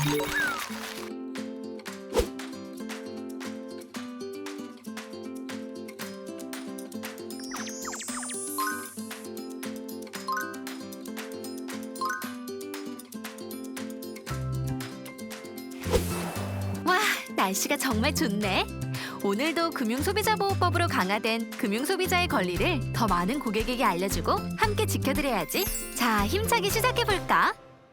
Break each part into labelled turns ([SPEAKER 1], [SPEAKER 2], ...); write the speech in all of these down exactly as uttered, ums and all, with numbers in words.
[SPEAKER 1] 와, 날씨가 정말 좋네. 오늘도 금융소비자보호법으로 강화된 금융소비자의 권리를 더 많은 고객에게 알려주고 함께 지켜드려야지. 자, 힘차게 시작해볼까?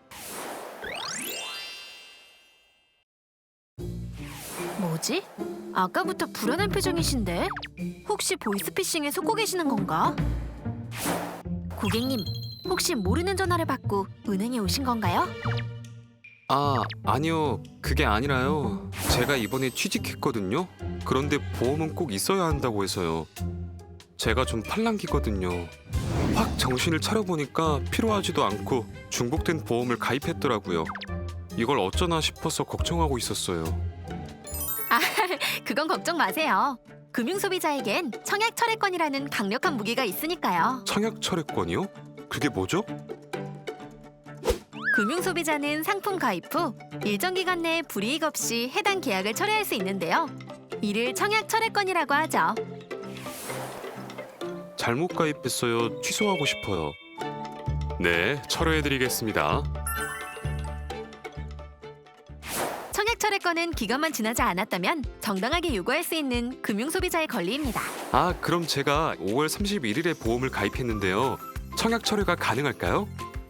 [SPEAKER 1] 뭐지? 아까부터 불안한 표정이신데? 혹시 보이스피싱에 속고 계시는 건가? 고객님, 혹시 모르는 전화를 받고 은행에 오신 건가요?
[SPEAKER 2] 아, 아니요. 그게 아니라요. 제가 이번에 취직했거든요. 그런데 보험은 꼭 있어야 한다고 해서요. 제가 좀 팔랑귀거든요. 확 정신을 차려보니까 필요하지도 않고 중복된 보험을 가입했더라고요. 이걸 어쩌나 싶어서 걱정하고 있었어요.
[SPEAKER 1] 아, 그건 걱정 마세요. 금융소비자에겐 청약철회권이라는 강력한 무기가 있으니까요.
[SPEAKER 2] 청약철회권이요? 그게 뭐죠?
[SPEAKER 1] 금융소비자는 상품 가입 후 일정 기간 내에 불이익 없이 해당 계약을 철회할 수 있는데요. 이를 청약철회권이라고 하죠.
[SPEAKER 2] 잘못 가입했어요. 취소하고 싶어요. 네, 철회해드리겠습니다.
[SPEAKER 1] 청약철회권은 기간만 지나지 않았다면 정당하게 요구할 수 있는 금융소비자의 권리입니다.
[SPEAKER 2] 아, 그럼 제가 오월 삼십일일에 보험을 가입했는데요. 청약철회가 가능할까요?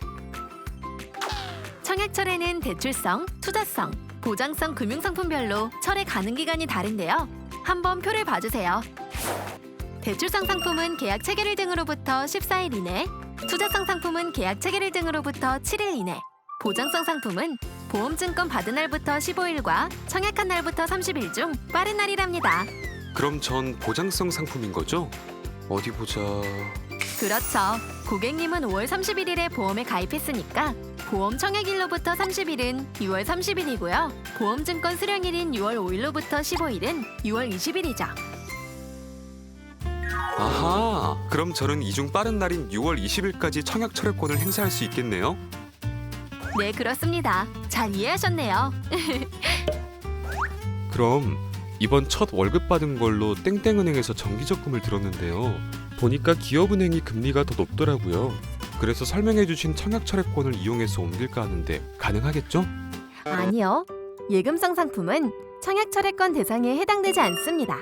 [SPEAKER 1] 청약철회는 대출성, 투자성, 보장성 금융상품별로 철회 가능 기간이 다른데요. 한번 표를 봐주세요. 대출성 상품은 계약 체결일 등으로부터 십사일 이내, 투자성 상품은 계약 체결일 등으로부터 칠일 이내, 보장성 상품은 보험증권 받은 날부터 십오일과 청약한 날부터 삼십일 중 빠른 날이랍니다.
[SPEAKER 2] 그럼 전 보장성 상품인 거죠? 어디 보자.
[SPEAKER 1] 그렇죠. 고객님은 오월 삼십일일에 보험에 가입했으니까 보험 청약일로부터 삼십일은 유월 삼십일이고요. 보험증권 수령일인 유월 오일로부터 십오일은 유월 이십일이죠.
[SPEAKER 2] 아하, 그럼 저는 이 중 빠른 날인 유월 이십일까지 청약철회권을 행사할 수 있겠네요?
[SPEAKER 1] 네, 그렇습니다. 잘 이해하셨네요.
[SPEAKER 2] 그럼 이번 첫 월급 받은 걸로 땡땡은행에서 정기적금을 들었는데요. 보니까 기업은행이 금리가 더 높더라고요. 그래서 설명해주신 청약철회권을 이용해서 옮길까 하는데 가능하겠죠?
[SPEAKER 1] 아니요. 예금성 상품은 청약철회권 대상에 해당되지 않습니다.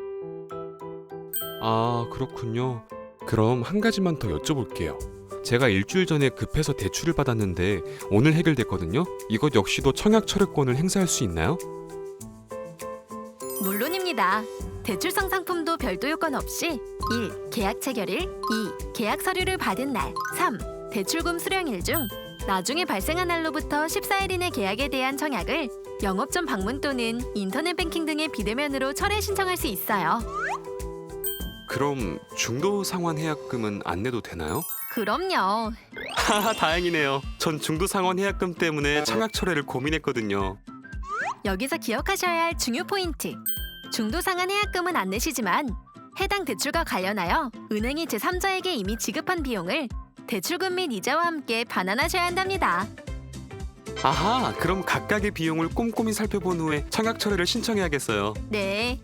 [SPEAKER 2] 아, 그렇군요. 그럼 한 가지만 더 여쭤볼게요. 제가 일주일 전에 급해서 대출을 받았는데 오늘 해결됐거든요. 이것 역시도 청약철회권을 행사할 수 있나요?
[SPEAKER 1] 물론입니다. 대출성 상품도 별도 요건 없이 일. 계약 체결일, 이. 계약 서류를 받은 날, 삼. 대출금 수령일 중 나중에 발생한 날로부터 십사일 이내 계약에 대한 청약을 영업점 방문 또는 인터넷 뱅킹 등의 비대면으로 철회 신청할 수 있어요.
[SPEAKER 2] 그럼 중도 상환 해약금은 안 내도 되나요?
[SPEAKER 1] 그럼요.
[SPEAKER 2] 하하, 다행이네요. 전 중도 상환 해약금 때문에 청약철회를 고민했거든요.
[SPEAKER 1] 여기서 기억하셔야 할 중요 포인트. 중도 상환 해약금은 안 내시지만 해당 대출과 관련하여 은행이 제삼자에게 이미 지급한 비용을 대출금 및 이자와 함께 반환하셔야 한답니다.
[SPEAKER 2] 아하, 그럼 각각의 비용을 꼼꼼히 살펴본 후에 청약철회를 신청해야겠어요.
[SPEAKER 1] 네.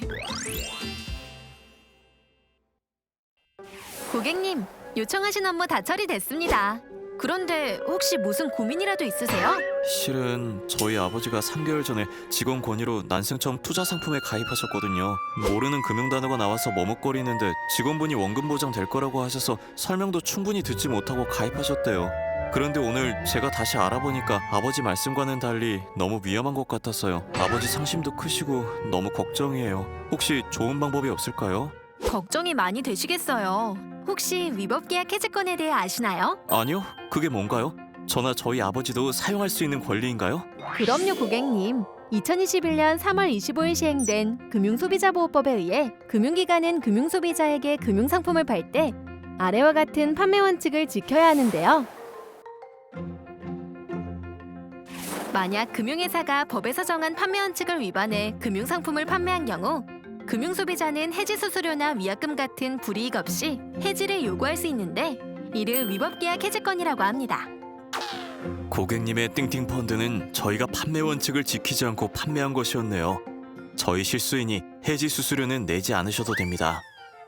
[SPEAKER 1] 고객님, 요청하신 업무 다 처리됐습니다. 그런데 혹시 무슨 고민이라도 있으세요?
[SPEAKER 3] 실은 저희 아버지가 삼 개월 전에 직원 권유로 난생처음 투자 상품에 가입하셨거든요. 모르는 금융 단어가 나와서 머뭇거리는데 직원분이 원금 보장 될 거라고 하셔서 설명도 충분히 듣지 못하고 가입하셨대요. 그런데 오늘 제가 다시 알아보니까 아버지 말씀과는 달리 너무 위험한 것 같았어요. 아버지 상심도 크시고 너무 걱정이에요. 혹시 좋은 방법이 없을까요?
[SPEAKER 1] 걱정이 많이 되시겠어요. 혹시 위법 계약 해지권에 대해 아시나요?
[SPEAKER 3] 아니요, 그게 뭔가요? 저나 저희 아버지도 사용할 수 있는 권리인가요?
[SPEAKER 1] 그럼요, 고객님. 이천이십일년 삼월 이십오일 시행된 금융소비자보호법에 의해 금융기관은 금융소비자에게 금융상품을 팔 때 아래와 같은 판매 원칙을 지켜야 하는데요. 만약 금융회사가 법에서 정한 판매 원칙을 위반해 금융상품을 판매한 경우 금융소비자는 해지수수료나 위약금 같은 불이익 없이 해지를 요구할 수 있는데 이를 위법계약 해지권이라고 합니다.
[SPEAKER 3] 고객님의 띵띵 펀드는 저희가 판매 원칙을 지키지 않고 판매한 것이었네요. 저희 실수이니 해지 수수료는 내지 않으셔도 됩니다.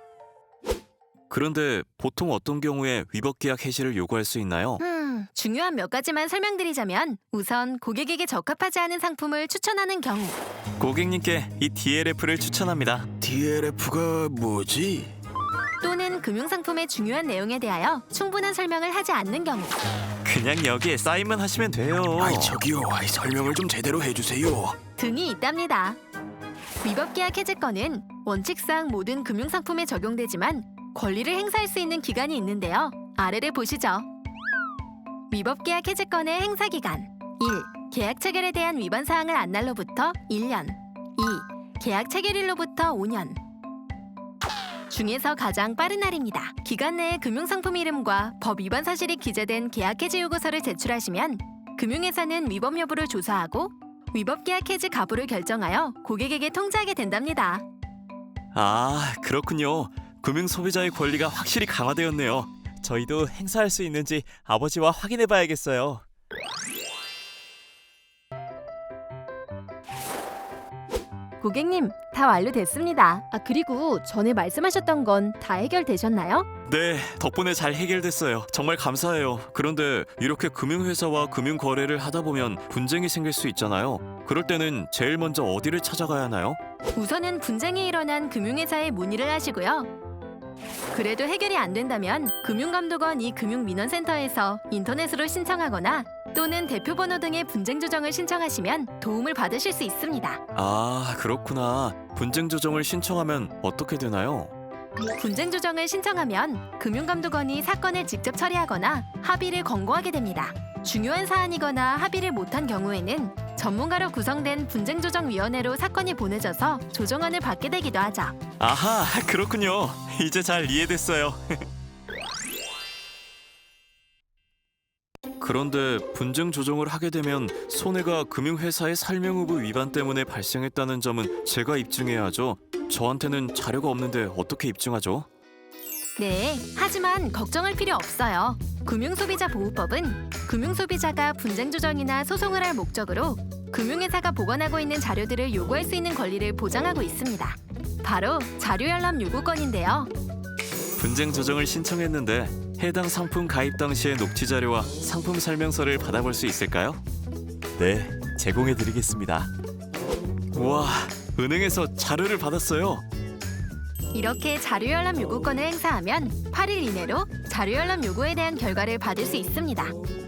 [SPEAKER 3] 그런데 보통 어떤 경우에 위법 계약 해지를 요구할 수 있나요?
[SPEAKER 1] 음, 중요한 몇 가지만 설명드리자면 우선 고객에게 적합하지 않은 상품을 추천하는 경우,
[SPEAKER 3] 고객님께 이 디엘에프를 추천합니다.
[SPEAKER 4] 디엘에프가 뭐지?
[SPEAKER 1] 또는 금융상품의 중요한 내용에 대하여 충분한 설명을 하지 않는 경우,
[SPEAKER 3] 그냥 여기에 사인만 하시면 돼요.
[SPEAKER 4] 아이 저기요, 아이 설명을 좀 제대로 해주세요.
[SPEAKER 1] 등이 있답니다. 위법 계약 해지권은 원칙상 모든 금융상품에 적용되지만 권리를 행사할 수 있는 기간이 있는데요. 아래를 보시죠. 위법 계약 해지권의 행사 기간 일. 계약 체결에 대한 위반 사항을 안 날로부터 일 년 이. 계약 체결일로부터 오 년 중에서 가장 빠른 날입니다. 기간 내에 금융상품 이름과 법 위반 사실이 기재된 계약 해지 요구서를 제출하시면 금융회사는 위법 여부를 조사하고 위법 계약 해지 가부를 결정하여 고객에게 통지하게 된답니다.
[SPEAKER 3] 아, 그렇군요. 금융 소비자의 권리가 확실히 강화되었네요. 저희도 행사할 수 있는지 아버지와 확인해 봐야겠어요.
[SPEAKER 1] 고객님, 다 완료됐습니다. 아, 그리고 전에 말씀하셨던 건 다 해결되셨나요?
[SPEAKER 3] 네, 덕분에 잘 해결됐어요. 정말 감사해요. 그런데 이렇게 금융회사와 금융거래를 하다 보면 분쟁이 생길 수 있잖아요. 그럴 때는 제일 먼저 어디를 찾아가야 하나요?
[SPEAKER 1] 우선은 분쟁이 일어난 금융회사에 문의를 하시고요. 그래도 해결이 안 된다면 금융감독원 이 금융민원센터에서 인터넷으로 신청하거나 또는 대표번호 등의 분쟁 조정을 신청하시면 도움을 받으실 수 있습니다.
[SPEAKER 3] 아, 그렇구나. 분쟁 조정을 신청하면 어떻게 되나요?
[SPEAKER 1] 분쟁 조정을 신청하면 금융감독원이 사건을 직접 처리하거나 합의를 권고하게 됩니다. 중요한 사안이거나 합의를 못한 경우에는 전문가로 구성된 분쟁조정위원회로 사건이 보내져서 조정안을 받게 되기도 하죠.
[SPEAKER 3] 아하, 그렇군요. 이제 잘 이해됐어요. 그런데 분쟁 조정을 하게 되면 손해가 금융회사의 설명 의무 위반 때문에 발생했다는 점은 제가 입증해야 하죠. 저한테는 자료가 없는데 어떻게 입증하죠?
[SPEAKER 1] 네, 하지만 걱정할 필요 없어요. 금융소비자보호법은 금융소비자가 분쟁조정이나 소송을 할 목적으로 금융회사가 보관하고 있는 자료들을 요구할 수 있는 권리를 보장하고 있습니다. 바로 자료열람 요구권인데요.
[SPEAKER 3] 분쟁 조정을 신청했는데 해당 상품 가입 당시의 녹취 자료와 상품 설명서를 받아볼 수 있을까요? 네, 제공해드리겠습니다. 우와, 은행에서 자료를 받았어요.
[SPEAKER 1] 이렇게 자료열람 요구권을 행사하면 팔 일 이내로 자료열람 요구에 대한 결과를 받을 수 있습니다.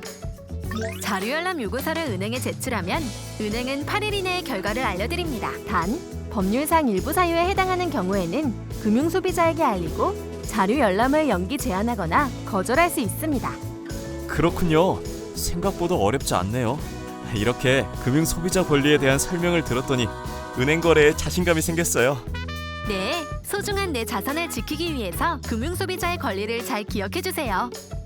[SPEAKER 1] 자료열람 요구서를 은행에 제출하면 은행은 팔 일 이내에 결과를 알려드립니다. 단, 법률상 일부 사유에 해당하는 경우에는 금융소비자에게 알리고 자료열람을 연기 제한하거나 거절할 수 있습니다.
[SPEAKER 3] 그렇군요. 생각보다 어렵지 않네요. 이렇게 금융 소비자 권리에 대한 설명을 들었더니 은행 거래에 자신감이 생겼어요.
[SPEAKER 1] 네, 소중한 내 자산을 지키기 위해서 금융소비자의 권리를 잘 기억해주세요.